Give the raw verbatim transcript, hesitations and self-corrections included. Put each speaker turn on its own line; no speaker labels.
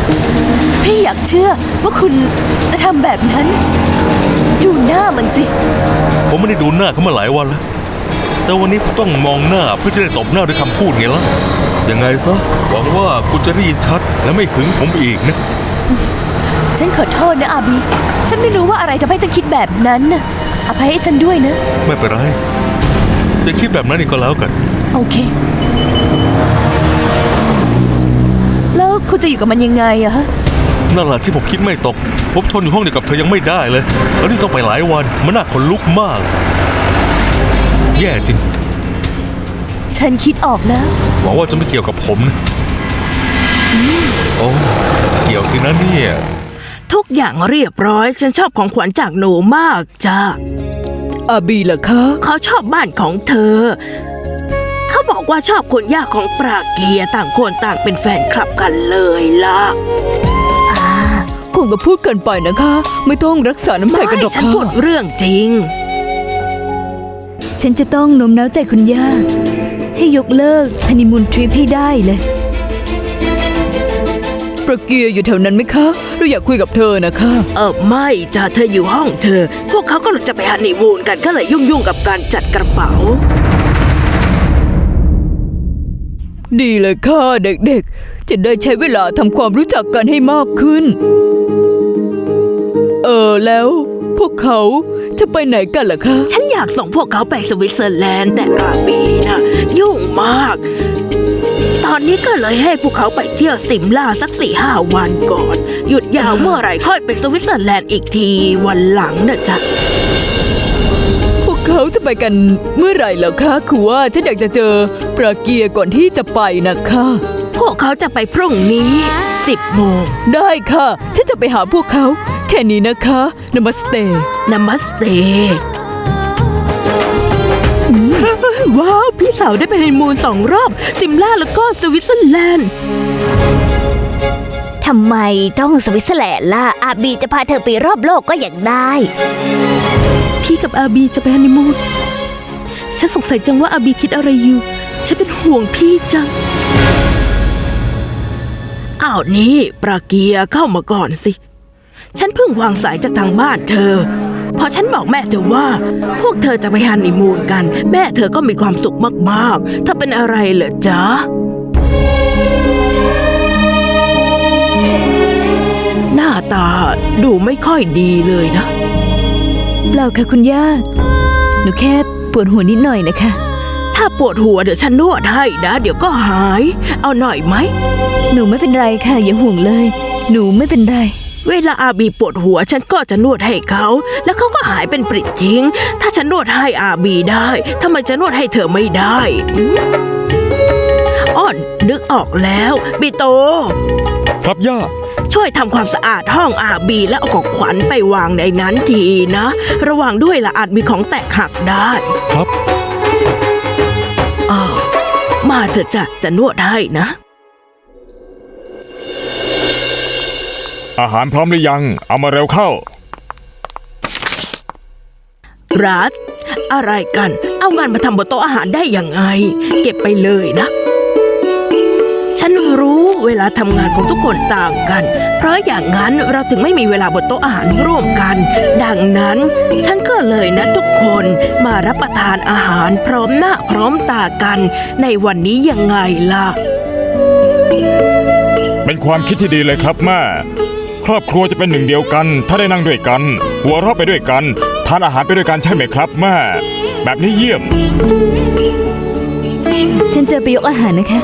พี่อยากเชื่อว่าคุณจะทำแบบนั้นดูหน้ามันสิ
ผมไม่ได้ดูหน้าเขามาหลายวันแล้วแต่วันนี้ผมต้องมองหน้าเพื่อจะได้ตบหน้าด้วยคำพูดไงล่ะยังไงซะหวังว่าคุณจะได้ยินชัดและไม่หึงผมอีกนะ
ฉันขอโทษนะอาบีฉันไม่รู้ว่าอะไรทำให้ฉันคิดแบบนั้นน่ะอภัยให้ฉันด้วยนะ
ไม่เป็นไรจะคิดแบบนั้นอีกก็แล้วกัน
โอเคแล้วคุณจะอยู่กับมันยังไงอะฮะ
นั่นแหละที่ผมคิดไม่ตกผมทนอยู่ห้องเดียวกับเธอยังไม่ได้เลยแล้วนี่ต้องไปหลายวันมันน่าขนลุกมากแย่จริง
ฉันคิดออกแล้ว
หวังว่าจะไม่เกี่ยวกับผมนะโอ้เกี่ยวสินะเนี่ย
ทุกอย่างเรียบร้อยฉันชอบของขวัญจากหนูมากจ้า
อาบีล่ะคะ
เขาชอบบ้านของเธอเขาบอกว่าชอบคุณย่าของปราเกียต่างคนต่างเป็นแฟนคลับกันเลยล่ะ
คงก็พูดเกินไปนะคะไม่ต้องรักษาน้ำใจกันหรอกค่ะ
ฉันพูดเรื่องจริง
ฉันจะต้องโน้มน้าวใจคุณย่าให้ยกเลิกฮันนีมูนทริปให้ได้เลย
ประเกียร์อยู่แถวนั้นไหมคะเราอยากคุยกับเธอนะคะ
เออไม่จ้ะเธออยู่ห้องเธอพวกเขาก็จะไปฮันนีมูนกันก็เลยยุ่งๆกับการจัดกระเป๋า
ดีเลยค่ะเด็กๆจะได้ใช้เวลาทำความรู้จักกันให้มากขึ้นเออแล้วพวกเขาจะไปไหนกันล่ะคะ
ฉันอยากส่งพวกเขาไปสวิตเซอร์แลนด์แต่อาบีนะยุ่งมากตอนนี้ก็เลยให้พวกเขาไปเที่ยวสิมลาสักสี่ห้าวันก่อนหยุดยาวเมื่อไหร่ค่อยไปสวิตเซอร์แลนด์อีกทีวันหลังนะจ๊ะ
พวกเขาจะไปกันเมื่อไหร่แล้วคะคือว่าฉันอยากจะเจอปราเกียร์ก่อนที่จะไปนะคะ
พวกเขาจะไปพรุ่งนี้สิบโมง
ได้ค่ะฉันจะไปหาพวกเขาแค่นี้นะคะนามัสเต
นามัสเตว้าวพี่สาวได้ไปฮันนีมูนสองรอบซิมล่าแล้วก็สวิตเซอร์แลนด์
ทำไมต้องสวิตเซอร์แลนด์ล่ะอาบีจะพาเธอไปรอบโลกก็อยากได้
พี่กับอาบีจะไปฮันนีมูนฉันสงสัยจังว่าอาบีคิดอะไรอยู่ฉันเป็นห่วงพี่จังอ้าวนี่ปราเกียเข้ามาก่อนสิฉันเพิ่งวางสายจากทางบ้านเธอพอฉันบอกแม่เธอว่าพวกเธอจะไปฮันนีมูนกันแม่เธอก็มีความสุขมากๆถ้าเป็นอะไรเหรอจ๊ะหน้าตาดูไม่ค่อยดีเลยนะ
เปล่าค่ะคุณย่าหนูแค่ปวดหัวนิดหน่อยนะคะ
ถ้าปวดหัวเดี๋ยวฉันนวดให้นะเดี๋ยวก็หายเอาหน่อยไหม
หนูไม่เป็นไรค่ะอย่าห่วงเลยหนูไม่เป็นไร
เวลาอาบีปวดหัวฉันก็จะนวดให้เขาแล้วเขาก็หายเป็นปริดทิ้งถ้าฉันนวดให้อาบีได้ทำไมจะนวดให้เธอไม่ได้อ้อนนึกออกแล้วบีโต
ครับย่า
ช่วยทำความสะอาดห้องอาบีและเอาของขวัญไปวางในนั้นทีนะระวังด้วยละอาจมีของแตกหักได้
ครับ
อ้าวมาเถอะจ้ะจะนวดให้นะ
อาหารพร้อมหรือยังเอามาเร็วเข้า
รัฐอะไรกันเอางานมาทำบนโต๊ะอาหารได้ยังไงเก็บไปเลยนะฉันรู้เวลาทำงานของทุกคนต่างกันเพราะอย่างนั้นเราถึงไม่มีเวลาบนโต๊ะอาหารร่วมกันดังนั้นฉันก็เลยนัดทุกคนมารับประทานอาหารพร้อมหน้าพร้อมตากันในวันนี้ยังไงล่ะ
เป็นความคิดที่ดีเลยครับแม่ครอบครัวจะเป็นหนึ่งเดียวกันถ้าได้นั่งด้วยกันหัวเราะไปด้วยกันทานอาหารไปด้วยกันใช่ไหมครับแม่แบบนี้เยี่ยม
ฉันจะไปยกอาหารนะคะ